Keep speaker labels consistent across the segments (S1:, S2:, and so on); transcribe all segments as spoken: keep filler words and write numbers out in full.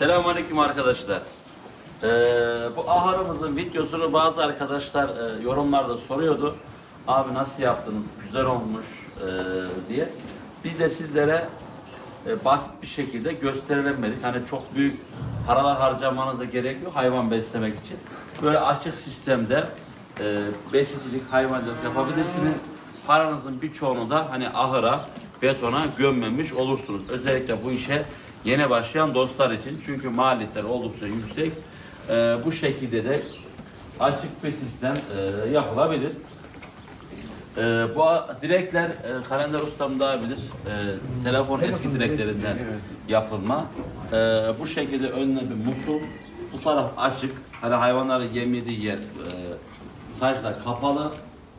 S1: Selamünaleyküm arkadaşlar. Ee, bu ahırımızın videosunu bazı arkadaşlar e, yorumlarda soruyordu. Abi nasıl yaptınız? Güzel olmuş e, diye. Biz de sizlere e, basit bir şekilde gösterelim dedik. Hani çok büyük paralar harcamanıza gerek yok hayvan beslemek için. Böyle açık sistemde e, besicilik, hayvancılık yapabilirsiniz. Paranızın birçoğunu da hani ahıra, betona gömmemiş olursunuz. Özellikle bu işe yeni başlayan dostlar için. Çünkü maliyetler oldukça yüksek. Ee, bu şekilde de açık bir sistem e, yapılabilir. Ee, bu direkler e, Kalender Ustam daha bilir. E, telefon eski direklerinden yapılma. E, bu şekilde önüne bir musul. Bu taraf açık. Hani hayvanların yem yediği yer e, saçla kapalı.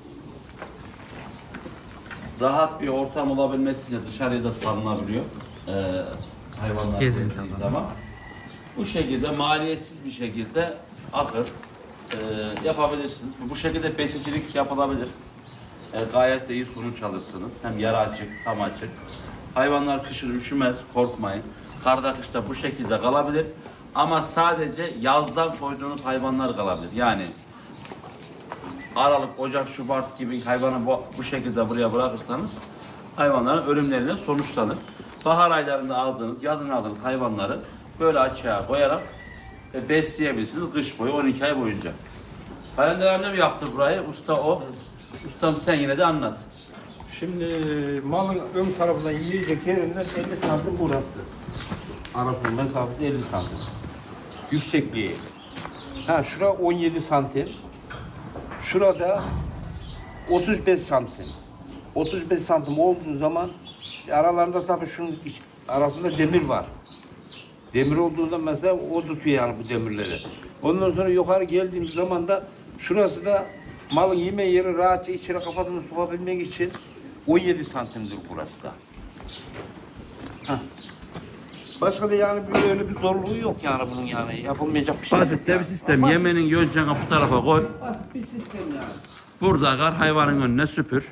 S1: Rahat bir ortam olabilmesi için dışarıya da salınabiliyor. E, hayvanlar gezdiği zaman. Bu şekilde maliyetsiz bir şekilde ahır e, yapabilirsiniz. Bu şekilde besicilik yapılabilir. E, gayet de iyi sonuç alırsınız. Hem yarı açık, tam açık. Hayvanlar kışın üşümez, korkmayın. Karda kışta bu şekilde kalabilir. Ama sadece yazdan koyduğunuz hayvanlar kalabilir. Yani Aralık, Ocak, Şubat gibi hayvanı bu, bu şekilde buraya bırakırsanız hayvanların ölümlerine sonuçlanır. Bahar aylarında aldığınız, yazın aldığınız hayvanları böyle açığa koyarak e, besleyebilirsiniz kış boyu on iki ay boyunca. Kalender amcam yaptı burayı, usta o. Ustam sen yine de anlat.
S2: Şimdi malın ön tarafından yiyecek yerinden elli santim burası. Arasının mesafesi elli santim. Yüksekliği. Ha şura on yedi santim. Şurada otuz beş santim. otuz beş santim olduğu zaman aralarında tabii şunun arasında demir var. Demir olduğunda mesela o tutuyor yani bu demirleri. Ondan sonra yukarı geldiğimiz zaman da şurası da malın yeme yeri rahatça içine kafasını sokabilmek için on yedi santimdir burası da. Heh. Başka da yani böyle bir zorluğu yok yani bunun yani yapılmayacak bir şey.
S1: Basit de bir sistem.
S2: Basit.
S1: Yemenin yöneceğini bu tarafa koy.
S2: Basit bir sistem yani.
S1: Burada kar hayvanın önüne süpür.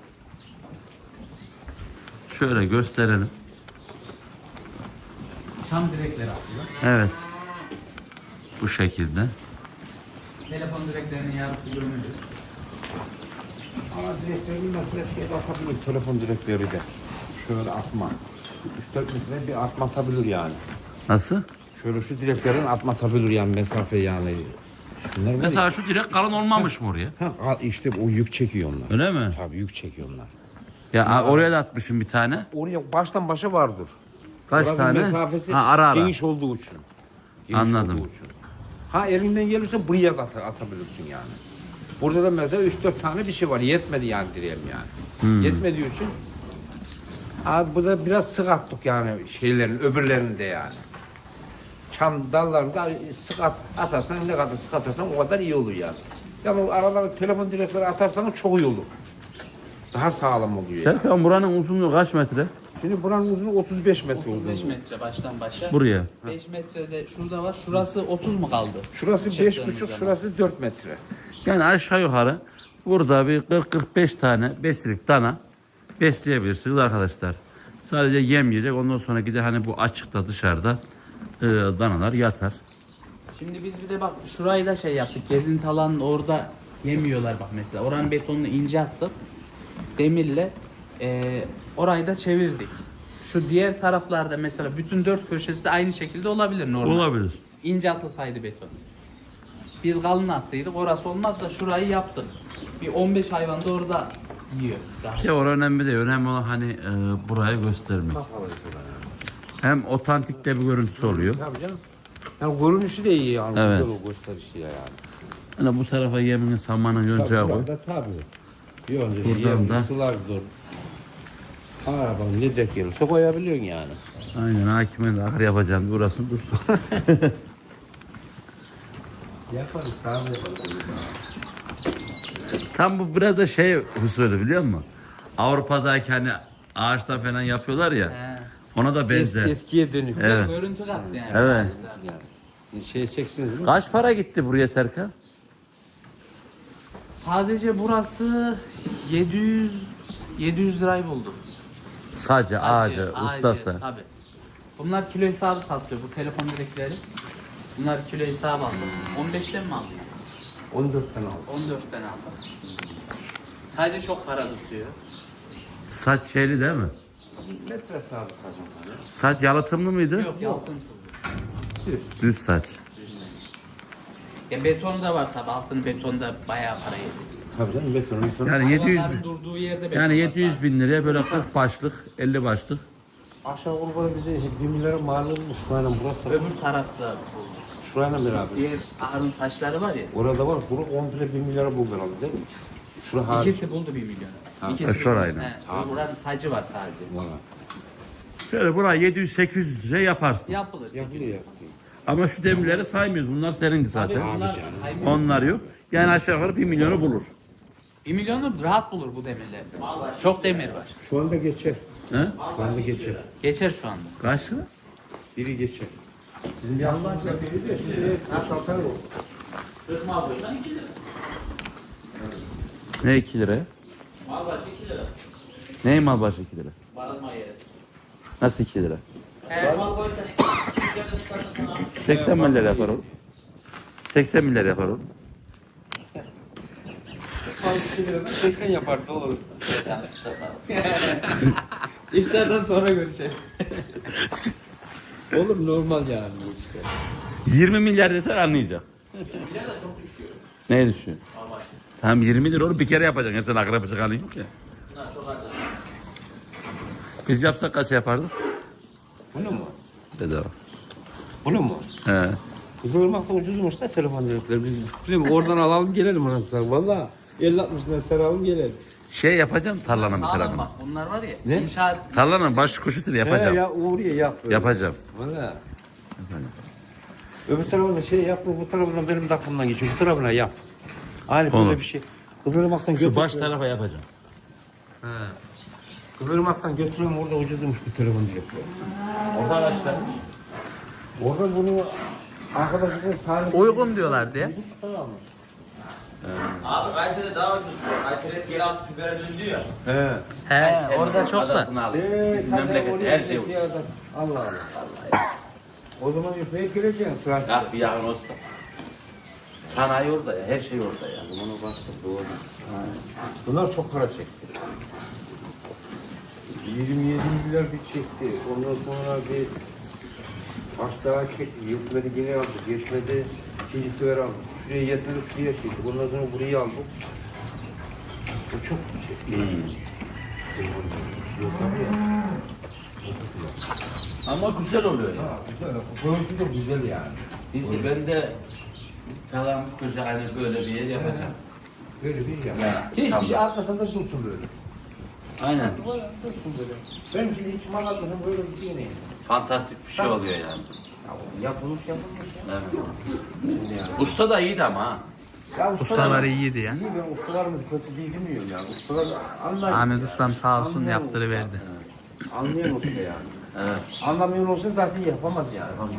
S1: Şöyle gösterelim.
S3: Çam direkleri atıyor.
S1: Evet. Bu şekilde.
S3: Telefon direklerinin yarısı gömülü.
S2: Ama direklerini mesela şeyde atabilir, telefon direkleri de. Şöyle atma. üç dört metre bir atma atabilir yani.
S1: Nasıl?
S2: Şöyle şu direklerin atma atabilir yani mesafe yani. Bunlar
S1: Mesela şu direk kalın olmamış mı oraya?
S2: Ha, işte o yük çekiyor onlar.
S1: Öyle mi?
S2: Tabii yük çekiyor onlar.
S1: Ya oraya da atmışım bir tane.
S2: Oraya baştan başa vardır.
S1: Kaç
S2: Oranın
S1: tane?
S2: mesafesi
S1: Ha, ara ara.
S2: geniş olduğu için. Geniş
S1: Anladım.
S2: olduğu için. Ha elinden gelirse buraya da at- atabilirsin yani. Burada da mesela üç dört tane bir şey var. Yetmedi yani diyelim yani.
S1: Hmm.
S2: Yetmediği için abi bu da biraz sık attık yani şeylerin öbürlerini de yani. Çam dallarında sık at, atarsan ne kadar sık atarsan o kadar iyi olur yani. Yani o aralara telefon direkleri atarsanız çok iyi olur. Daha sağlam oluyor yani.
S1: Serkan buranın uzunluğu kaç metre?
S2: Şimdi buranın uzunluğu otuz beş metre
S3: otuz beş
S2: uzunluğu.
S3: metre baştan başa.
S1: Buraya.
S3: beş metrede şurada var. Şurası otuz mu kaldı?
S2: Şurası beş
S3: Çıktığınız
S2: buçuk,
S3: zaman.
S2: şurası dört metre.
S1: Yani aşağı yukarı burada bir kırk kırk beş tane besilik dana besleyebilirsiniz arkadaşlar. Sadece yem yiyecek. Ondan sonra gider hani bu açıkta dışarıda e, danalar yatar.
S3: Şimdi biz bir de bak şurayı da şey yaptık. Gezinti alanının orada yemiyorlar bak mesela. Oranın betonunu ince attık. Demirle e, orayı da çevirdik. Şu diğer taraflarda mesela bütün dört köşesi de aynı şekilde olabilir normal.
S1: Olabilir.
S3: İnce atılsaydı beton. Biz kalın attıydık. Orası olmaz da şurayı yaptık. Bir on beş hayvan da orada yiyor. Rahat.
S1: Ya orası önemli değil. Önemli olan hani e, burayı göstermek. Hem otantik de bir görüntüsü oluyor.
S2: Tabii canım. Yani görünüşü de iyi yani.
S1: Evet.
S2: Güzel o gösterişiyle yani.
S1: Hani bu tarafa yemini samanın yöneceği koy.
S2: Burada tabii. Yonca,
S1: Buradan
S2: yem,
S1: da-
S2: sular dur. Arabanın ne dek gelirse koyabiliyorsun yani.
S1: Aynen hakime de ahır yapacağım. Burası dursun.
S2: Yaparız, sağ
S1: Tam bu biraz da şey usulü biliyor musun? Avrupa'daki hani ağaçtan falan yapıyorlar ya.
S3: He.
S1: Ona da benzer.
S2: Es, eskiye dönük.
S3: Güzel
S1: Evet.
S3: görüntü kattı yani.
S1: Evet.
S3: arkadaşlar.
S2: Yani. Şey çeksiniz mi?
S1: Kaç para gitti buraya Serkan?
S3: Sadece burası yedi yüz yedi yüz lirayı buldu.
S1: Sadece
S3: Sadece
S1: ağacı, ustası.
S3: Tabii. Bunlar kilo hesabı satıyor bu telefon direkleri. Bunlar kilo hesabı aldı. on beşten mi aldın?
S2: on dörtten aldım.
S3: on dörtten aldım. Sadece çok para tutuyor.
S1: Saç şeyli değil mi?
S2: Metre hesabı sacım.
S1: Saç yalıtımlı mıydı?
S3: Yok yalıtımsız.
S1: Düz saç.
S3: Ya beton da var tabi altın beton da bayağı para yedi.
S2: Tabii canım beton beton.
S1: Yani yedi yüz
S3: Hayvanların
S1: bin.
S3: durduğu yerde beton
S1: Yani
S3: var
S1: yedi yüz
S3: sadece.
S1: bin liraya böyle kırk başlık, elli başlık.
S2: Aşağı yukarı bize bir milyara mal olmuş. Şurayla burası.
S3: Öbür tarafta
S2: Şurayla beraber.
S3: diğer ahırın saçları var ya.
S2: Orada var. Buru komple bir milyara buldu herhalde değil mi? Şura hariç.
S3: İkisi buldu bir milyon. İkisi
S1: E, şurayla.
S3: He, buranın sacı var sadece.
S2: Valla.
S1: Şöyle buraya yedi yüz sekiz yüz liraya yaparsın.
S3: Yapılır.
S2: Yapılıyor yapılıyor.
S1: Ama şu demirleri saymıyoruz. Bunlar senin zaten.
S3: Tabii bunlar
S2: canım.
S3: saymıyor.
S1: Onlar yok. Yani aşağı yukarı bir milyonu bulur.
S3: Bir milyonu rahat bulur bu demirler. Çok demir var.
S2: Şu anda geçer.
S1: He?
S2: Şu anda geçer.
S3: Geçer şu anda.
S1: Kaç lira?
S2: Biri geçer. Şimdi yandan biri de şimdi nasıl atar o?
S3: Kırk mal başına iki lira.
S1: Ne iki liraya?
S3: Mal başı iki lira.
S1: Ne mal başı iki lira?
S3: Barınma yeri.
S1: Nasıl iki lira?
S3: He, mal koysan iki liradan satırsan abi.
S1: seksen milyar yapar oğlum. seksen milyar yapar oğlum.
S2: seksen yapar da olur.
S3: İftardan sonra görüşelim.
S2: Oğlum normal yani bu işte.
S1: yirmi milyar desen anlayacağım.
S3: Milyar da çok düşüyor.
S1: Neye düşüyor?
S3: Mal başı.
S1: Tamam yirmi lira oğlum bir kere yapacaksın. Ya sen akrep çıkanın yok ya.
S3: Bunlar çok az.
S1: Biz yapsak kaç yapardık?
S2: Bunu mu?
S1: Bedava.
S2: Bunu mu?
S1: He.
S2: Kızılırmak'ta ucuzmuş da telefon direkleri. Biz değil mi? Oradan alalım gelelim anasını. Valla elli altmış lira saralım gelelim.
S1: Şey yapacağım tarlanın bir
S3: Sağlam
S1: tarafını.
S3: bak bunlar var ya.
S2: Ne?
S3: İnşaat
S1: Tarlanın baş koşusunu yapacağım.
S2: He ya oraya yap. böyle.
S1: Yapacağım.
S2: Valla. Öbür tarafına şey yap, bu tarafından benim de aklımdan geçiyor. Bu tarafına yap. Aynı
S1: Onu.
S2: böyle bir şey. Kızılırmak'tan
S1: Şu baş tarafa yapacağım.
S2: He. Kızılırmak'tan götürüyorum orada ucuzmuş bir telefon direkleri.
S1: Orada arkadaşlar.
S2: Orada bunu arkadaşlar tarih...
S3: uygun diyorlar diye.
S2: Tamam.
S4: Abi Kayseri'de daha ucuz. Kayseri hep yeraltı fibere döndü ya.
S2: He.
S3: He orada çok da.
S1: Adasını al.
S2: Eee
S1: Bizim memlekette her şey var.
S2: Allah Allah. O zaman yüzmeye gireceksin. Trafik.
S1: Ah bir yakın olsa. Sanayi orada ya. Her şey orada ya.
S2: Bunu baktık doğru. Bunlar çok para çekti. yirmi yedi milyar bir çekti. Ondan sonra bir baş daha çekti. Yetmedi yine aldık. Yetmedi ikinci sefer aldık. Şuraya yetmedi şuraya çekti. Ondan sonra burayı aldık. Bu çok çekti.
S1: Hmm.
S2: Yok tabii ya.
S1: Ama güzel oluyor ya.
S2: Ha, güzel. Koyusu da güzel yani.
S1: Biz ben de falan güzel hani böyle bir yer yapacağım.
S2: Böyle bir yer.
S1: Ya,
S2: Hiçbir
S1: tamam.
S2: şey atmasan da dursun böyle.
S1: Aynen.
S2: Dursun böyle. Ben şimdi hiç mal atmasam böyle bir şey neyim?
S1: Fantastik bir şey oluyor yani.
S2: Ya yapılmış yapılmış ya.
S1: Evet.
S2: Yani.
S1: Usta da iyiydi ama ha.
S2: Ya
S3: Ustaları iyiydi ya.
S2: İyi ben ustalarımız kötü değil demiyorum yani. Ustalar anlayın.
S3: Ahmet Ustam sağ olsun
S2: Anlayan
S3: yaptırıverdi.
S2: usta. Anlayan usta yani.
S1: Evet.
S2: Anlamayan olsa zaten yapamaz yani.
S1: Tamam.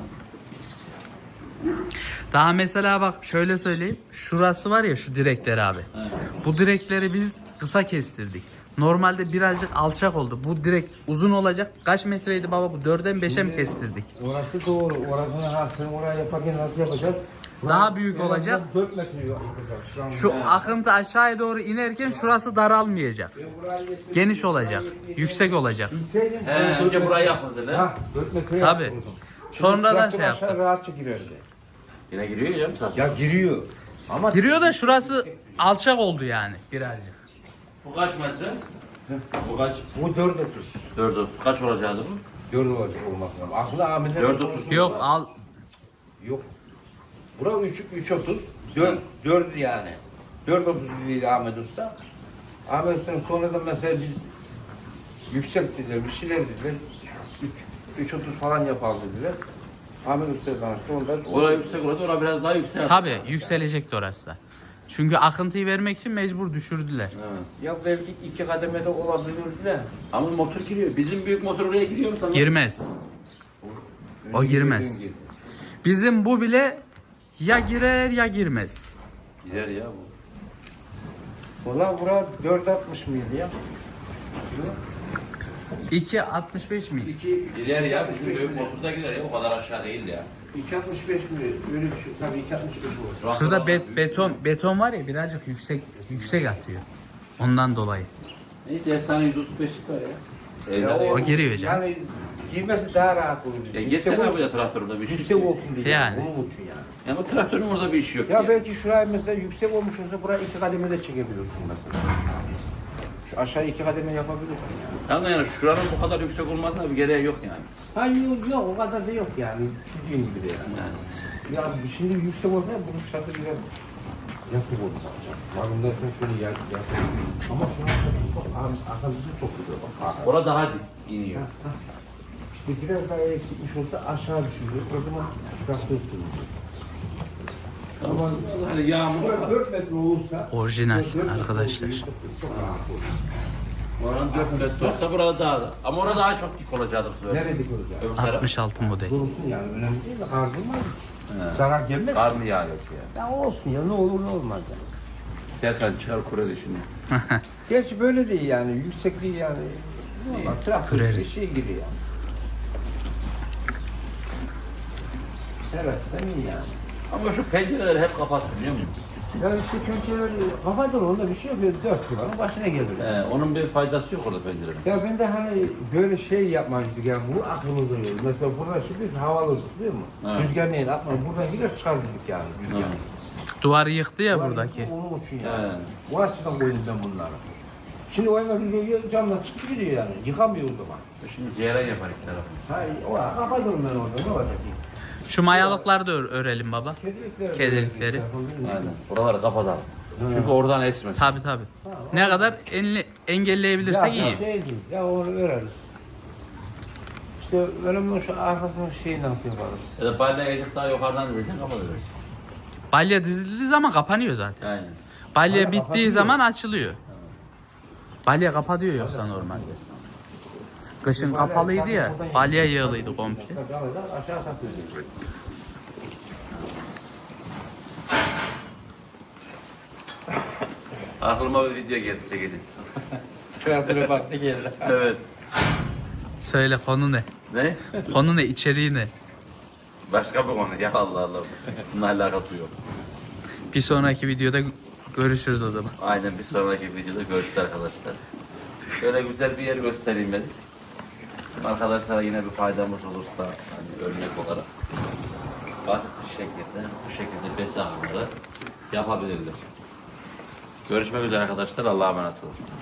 S3: Daha mesela bak şöyle söyleyeyim. Şurası var ya şu direkler abi.
S1: Evet.
S3: Bu direkleri biz kısa kestirdik. Normalde birazcık alçak oldu. Bu direk uzun olacak. Kaç metreydi baba bu? Dörden beşe mi kestirdik?
S2: Orası doğru. Orasını ha sen oraya yaparken nasıl yapacağız?
S3: Daha büyük
S2: En azından
S3: olacak.
S2: dört metre yapacağız. Şu an.
S3: Şu akıntı aşağıya doğru inerken şurası daralmayacak. Geniş olacak. Yüksek olacak.
S2: Yükseğin,
S1: He,
S2: oraya dört
S1: önce
S2: metre-
S1: burayı yapıldı lan.
S2: Ha, dört metre
S3: Tabii.
S2: yaptım.
S3: Sonradan
S2: Traktör
S3: şey
S2: aşağı
S3: yaptık.
S2: rahatça girerdi.
S1: Yine giriyor ya tabii.
S2: Ya giriyor. Ama
S3: Giriyor da şurası alçak oldu yani birazcık.
S1: Bu kaç metre? Bu kaç?
S2: bu dört otuz.
S1: Dört otuz. Kaç olacaktı bu?
S2: Dört olacak olması lazım. Aslında Ahmet'in
S1: Dört otuz.
S3: Yok al.
S2: Yok. Bura üç, üç otuz. Dört, dört yani. Dört otuz dedi Ahmet Usta. Ahmet Usta'nın sonradan mesela biz yükselttiler, bir şeyler dediler. Üç, üç otuz falan yapalım dediler. Ahmet Usta'ya danıştı. Ondan
S1: Oraya yüksek oldu. Oraya biraz daha yüksek.
S3: Tabii yükselecekti orası da. Çünkü akıntıyı vermek için mecbur düşürdüler.
S1: Evet.
S2: Ya belki iki kademede olabilirdi de.
S1: Ama motor giriyor. Bizim büyük motor oraya giriyor mu sana?
S3: Girmez. O girmez. Bizim bu bile ya girer ya girmez.
S1: Gider ya bu.
S2: Valla bura dört altmış mıydı ya?
S3: iki altmış beş mi?
S2: iki
S1: Gider ya, bizim büyük motorda gider ya, o kadar aşağı değil ya.
S2: iki altmış beş mi? Öyle bir şey. Tabii iki altmış beş olur.
S3: Şurada be- beton beton var ya birazcık yüksek yüksek atıyor. Ondan dolayı.
S1: Neyse efsane yüz otuz beşlik var ya.
S2: Ya
S1: Evde
S3: o
S1: de
S3: giriyor canım.
S2: Yani girmesi daha rahat olur.
S1: Ya geçsene abi ya traktörümde bir şey.
S2: Yüksek olsun diye.
S3: Yani.
S2: Bunun için yani.
S1: Ya bu traktörün orada bir işi yok
S2: Ya
S1: ya.
S2: belki şuraya mesela yüksek olmuş olsa buraya iki kademe de çekebilirsin mesela. Şu aşağı iki kademe yapabilirsin yani.
S1: Tamam yani şuranın bu kadar yüksek olmasına bir gereği yok yani.
S2: Ha yok, yok o kadar da yok yani. Dediğin gibi de yani.
S1: Yani.
S2: Ya şimdi yüksek olsa bunun şartı biraz yatık olur. Malum dersen şöyle yak, yatık. Ama şu an çok, arkası çok güzel. Bak,
S1: Orada daha dik iniyor.
S2: İşte biraz daha eksikmiş olsa aşağı düşürüyor. O zaman traktör sürüyor. Ama
S1: Hani yağmur
S2: şurada dört metre olursa
S3: Orijinal
S2: dört metre
S3: arkadaşlar.
S2: olursa çok rahat olur.
S1: oran dört metre olsa burada daha da. Ama orada daha çok dik olacaktı bu sefer.
S2: Nerede olacak?
S1: Öbür taraf.
S3: altmış altı model.
S2: Dursun yani önemli değil de kardırmaz.
S1: He.
S2: Zarar gelmez.
S1: Kar mı yağıyor ya?
S2: Ya olsun ya ne olur ne olmaz ya.
S1: Serkan çıkar kure şimdi.
S2: Gerçi böyle değil yani yüksekliği yani. Normal traktör bir
S3: Kırarız.
S2: şey gibi yani. Evet değil yani.
S1: Ama şu pencereleri hep kapattı biliyor musun?
S2: Yani işte pençeleri kafadır onda bir şey yok. Böyle dört kulağın başına gelir.
S1: Ee, onun bir faydası yok orada pencerenin.
S2: Ya ben de hani böyle şey yapmayızdık yani bu aklımızda yok. Mesela burada şimdi havalıydık değil mi?
S1: Evet.
S2: Rüzgar neyin atma buradan gider çıkardık yani rüzgar.
S1: Evet.
S3: Duvarı yıktı ya
S2: Var
S3: buradaki.
S2: Onun için yani.
S1: Evet.
S2: O açıdan koydum ben bunları. Şimdi o hemen rüzgar camdan çıktı gidiyor yani. Yıkamıyor o zaman.
S1: Şimdi ceyran yapar iki tarafı.
S2: Ha, o kapatırım ben orada ne olacak ki?
S3: Şu mayalıkları da ör- örelim baba.
S2: Kedilikleri.
S3: Kedilikleri.
S1: Aynen. Buraları kapatalım. Çünkü oradan esmez.
S3: Tabi tabi. Ne kadar enle- engelleyebilirsek
S2: ya,
S3: iyi.
S2: Şey değil, ya onu öreriz. İşte önemli olan şu arkasının şeyi nasıl yaparız?
S1: Ya da balya ecik daha yukarıdan diyeceksin kapatırız.
S3: Balya dizildiği zaman kapanıyor zaten.
S1: Aynen.
S3: Balya
S2: Balya
S3: bittiği
S2: kapatıyor.
S3: zaman açılıyor. Balya kapatıyor yoksa normalde. Kışın kapalıydı ya. Balya yığılıydı komple.
S2: Alacak, aşağı satıyoruz.
S1: Aklıma bir video geldi çekeceğiz.
S2: Kreatöre baktı geldi.
S1: Evet.
S3: Söyle konu ne?
S1: Ne?
S3: Konu ne? İçeriği ne?
S1: Başka bir konu ya Allah Allah. Bununla alakası yok.
S3: Bir sonraki videoda görüşürüz o zaman.
S1: Aynen bir sonraki videoda görüşürüz arkadaşlar. Şöyle güzel bir yer göstereyim dedik. Arkadaşlara yine bir faydamız olursa hani örnek olarak basit bir şekilde bu şekilde besi ağrıda yapabilirler. Görüşmek üzere arkadaşlar. Allah'a emanet olun.